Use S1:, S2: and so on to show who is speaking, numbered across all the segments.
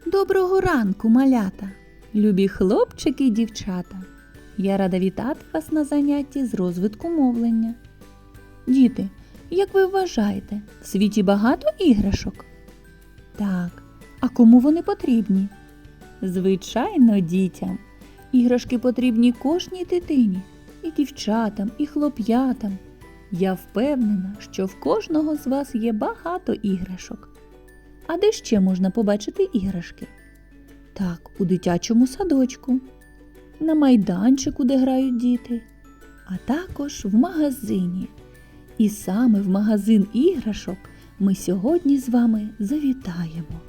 S1: Доброго ранку, малята, любі хлопчики і дівчата. Я рада вітати вас на занятті з розвитку мовлення. Діти, як ви вважаєте, в світі багато іграшок? Так, а кому вони потрібні? Звичайно, дітям. Іграшки потрібні кожній дитині, і дівчатам, і хлоп'ятам. Я впевнена, що в кожного з вас є багато іграшок. А де ще можна побачити іграшки? Так, у дитячому садочку, на майданчику, де грають діти, а також в магазині. І саме в магазин іграшок ми сьогодні з вами завітаємо.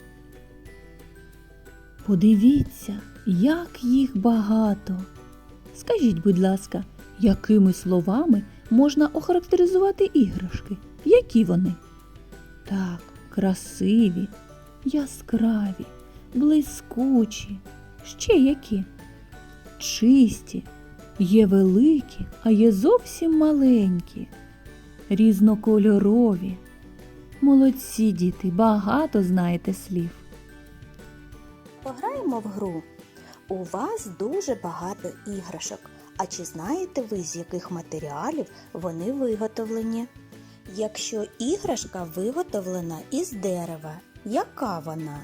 S1: Подивіться, як їх багато. Скажіть, будь ласка, якими словами можна охарактеризувати іграшки? Які вони? Так, красиві, яскраві, блискучі. Ще які? Чисті, є великі, а є зовсім маленькі. Різнокольорові. Молодці, діти, багато знаєте слів.
S2: Пограємо в гру. У вас дуже багато іграшок. А чи знаєте ви, з яких матеріалів вони виготовлені? Якщо іграшка виготовлена із дерева, яка вона?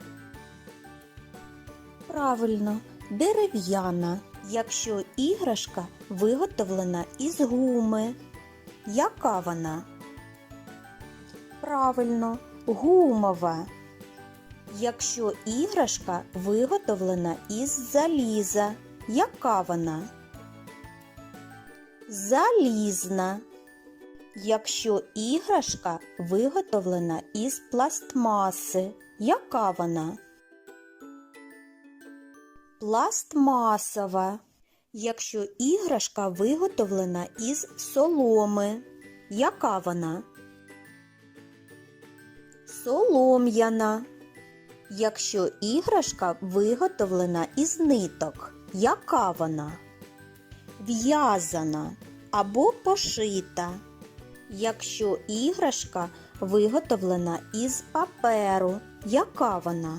S2: Правильно, дерев'яна. Якщо іграшка виготовлена із гуми, яка вона? Правильно, гумова. Якщо іграшка виготовлена із заліза, яка вона? Залізна. Якщо іграшка виготовлена із пластмаси, яка вона? Пластмасова. Якщо іграшка виготовлена із соломи, яка вона? Солом'яна. Якщо іграшка виготовлена із ниток, яка вона? В'язана або пошита. Якщо іграшка виготовлена із паперу, яка вона?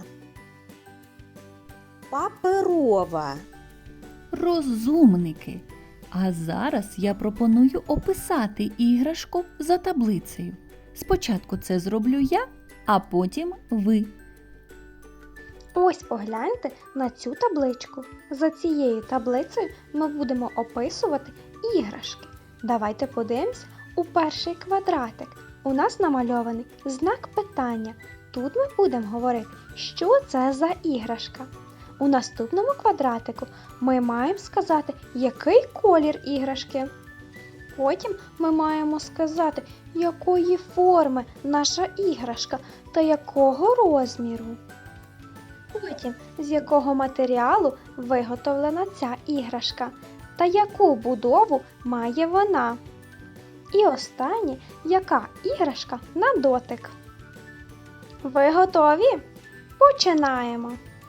S2: Паперова.
S1: Розумники! А зараз я пропоную описати іграшку за таблицею. Спочатку це зроблю я, а потім ви.
S3: Ось погляньте на цю табличку. За цією таблицею ми будемо описувати іграшки. Давайте подивимось у перший квадратик. У нас намальований знак питання. Тут ми будемо говорити, що це за іграшка. У наступному квадратику ми маємо сказати, який колір іграшки. Потім ми маємо сказати, якої форми наша іграшка та якого розміру. Потім, з якого матеріалу виготовлена ця іграшка та яку будову має вона. І останнє, яка іграшка на дотик. Ви готові? Починаємо!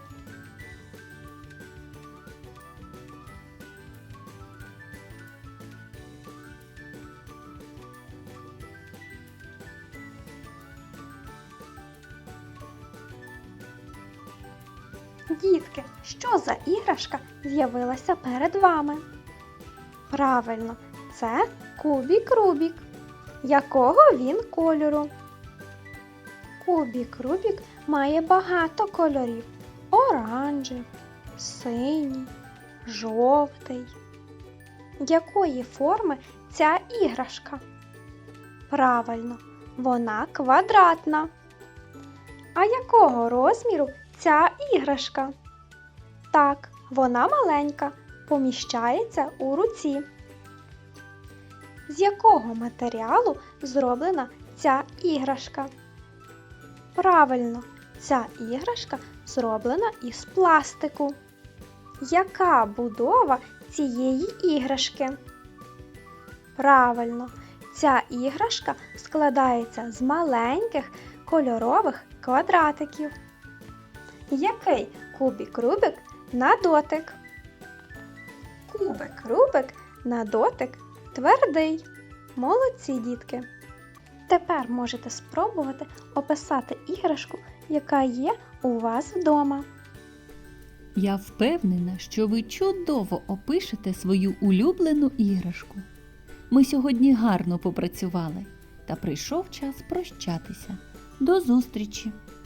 S3: Дітки, що за іграшка з'явилася перед вами? Правильно, це кубік Рубік. Якого він кольору? Кубік Рубік має багато кольорів. Оранжевий, синій, жовтий. Якої форми ця іграшка? Правильно, вона квадратна. А якого розміру ця іграшка? Так, вона маленька, поміщається у руці. З якого матеріалу зроблена ця іграшка? Правильно, ця іграшка зроблена із пластику. Яка будова цієї іграшки? Правильно, ця іграшка складається з маленьких кольорових квадратиків. Який кубік Рубік на дотик? Кубик Рубик на дотик твердий. Молодці, дітки! Тепер можете спробувати описати іграшку, яка є у вас вдома.
S1: Я впевнена, що ви чудово опишете свою улюблену іграшку. Ми сьогодні гарно попрацювали, та прийшов час прощатися. До зустрічі!